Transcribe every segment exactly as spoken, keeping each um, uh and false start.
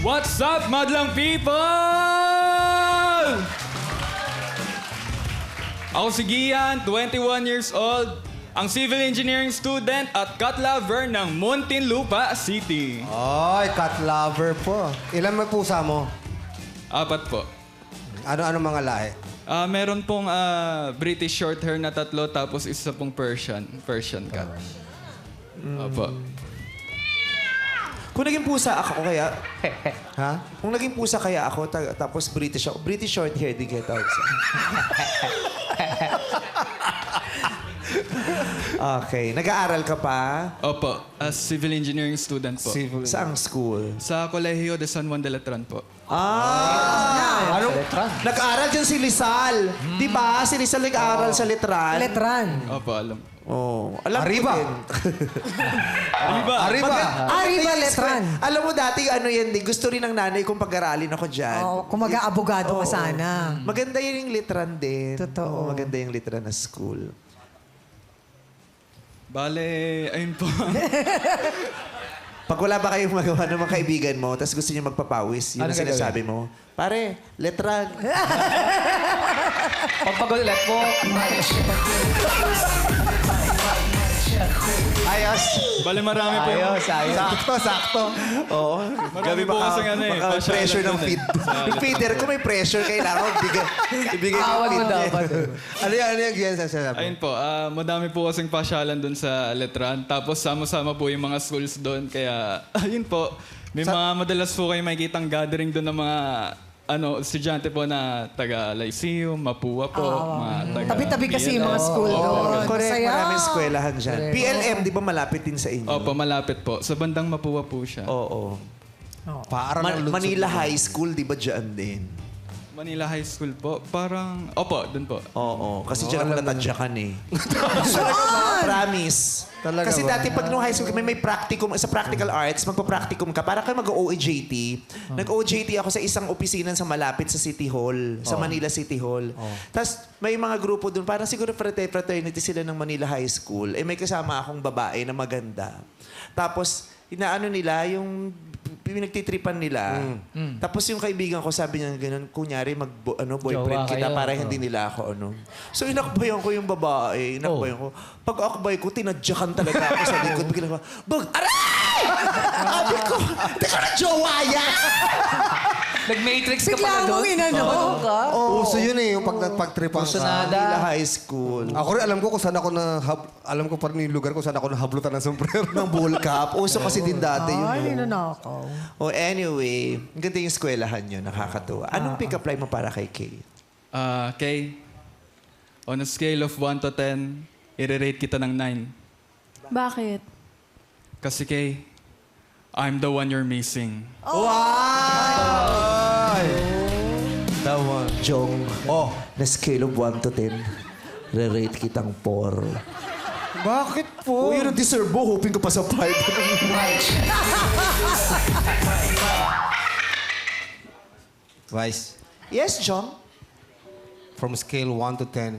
What's up, madlang people? Ako si Gian, twenty-one years old, ang civil engineering student at cat lover ng Muntinlupa City. Ay, cat lover po. Ilan may pusa mo? Apat po. Ano-ano mga lahi? Ah, meron pong ah, British Shorthair na tatlo, tapos isa pong Persian, Persian cat. Opo. Kung naging pusa ako kaya... Ha? Kung naging pusa kaya ako, ta- tapos British ako, British short hair, di kita tawag sa... Okay. Nag-aaral ka pa? Opo, as civil engineering student po. Civil. Saang school? Sa Colegio de San Juan de Letran po. Ah! Ano? Nag-aaral dyan si Lizal. Di ba? Si Lizal nag-aaral sa Letran. Letran. Opo, alam. Oh, alam Arriba. ko din. Arriba! Arriba. Maganda- Arriba, Maganda yung Letran. sque- Alam mo dati, ano yan, di, gusto rin ng nanay kong pag-aralin ako dyan. Oh, kung mag-aabogado ka Oo. sana. Maganda yun yung Letran din. Totoo. Oo, maganda yung Letran na school. Bale, ayun po. Pag wala ba kayong magawa ng mga kaibigan mo, tapos gusto niyo magpapawis, yun Ano ang sinasabi mo, pare, Letran. Pagpagulat po. Ayos. Bale, marami po. Ayos, ayos. Sakto, sakto. Oo. Marami po kasi ano eh, baka pasyalan pressure ng dun eh. feed. Yung feeder ko may pressure, kailangan bigay, ibigay ko Awal yung mo feed. dapat. Ano yan? Ano yan? Gian sa sinabi? Ayun po, ah, madami po kasing pasyalan doon sa Letran. Tapos sama-sama po yung mga schools doon. Kaya, ayun po, may mga madalas po kayo makikitang gathering doon ng mga ano, estudyante po na taga Lyceum, Mapua po, mga taga... Tabi-tabi kasi yung mga P L M. school doon. Correct, Masaya. maraming eskwelahan dyan. P L M, di ba malapit din sa inyo? Opo, malapit po. Sa bandang Mapua po siya. Oo. Paarang Ma- ng lunsod. Manila High School, di ba dyan din? Manila High School po. Parang... Opo, doon po. Oo, kasi dyan ako natadyakan eh. Saan? Promise. Talaga Kasi ba? dati pag nung high school kami may practicum, sa practical arts, magpa-practicum ka, para kayo mag-O J T. Nag-O J T ako sa isang opisina sa malapit sa City Hall, sa Manila City Hall. Tapos may mga grupo doon, parang siguro frate- fraternity sila ng Manila High School. Eh may kasama akong babae na maganda. Tapos inaano nila, yung pinagtitripan nila. Tapos yung kaibigan ko, sabi niya ganun, kunyari mag ano, boyfriend Jowa kita kayo. para hindi nila ako ano. So inakbayan ko yung babae, inakbayan ko. Pag akbay ko, tinadyakan talaga ako sa likod. Bigla ko, bag, aray! Sabi ko, di ko na jowa yan! Nag-matrix ka Bigla pala mong doon. inano. ka? Uso yun eh, yung pag nagpagtripan ka. Kusunada. Manila High School. Ako rin, alam ko kung saan ako na... Alam ko pa rin yung lugar kung saan ako nahablutan ng sombrero. Ng bull cap. Uso kasi din dati yun. Ay, eh. ninanakaw. Oh, anyway, ang ganda yung eskwelahan nyo, nakakatuwa. Anong pick-up line mo para kay Kay? Ah, Kay, on a scale of one to ten, i-rate kita ng nine. Bakit? Kasi Kay, I'm the one you're missing. That one. Jong. Oh. Na scale of one to ten, re-rate kitang four. Bakit Oh, po? yun ang deserve mo. Hoping ko pa sa five. Vice, Yes, Jong? from scale one to ten.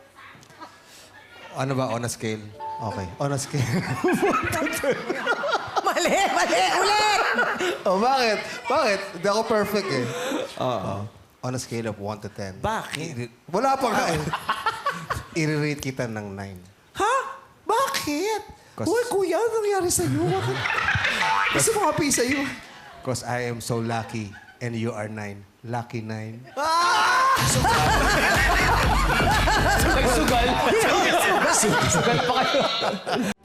Ano ba on a scale? Okay, on a scale. Mali, mali, ulit! oh, bakit? Bakit? Hindi ako perfect eh. Oo. On a scale of one to ten. Bakit? Wala pa nga eh. I-rate kita ng nine. Ha? Bakit? Kas- Uy, kuya, ano nangyari sa'yo? Bakit? Gusto mo kapi sa'yo? Because I am so lucky and you are nine. Lucky nine. Sugal. Sugal pa kayo.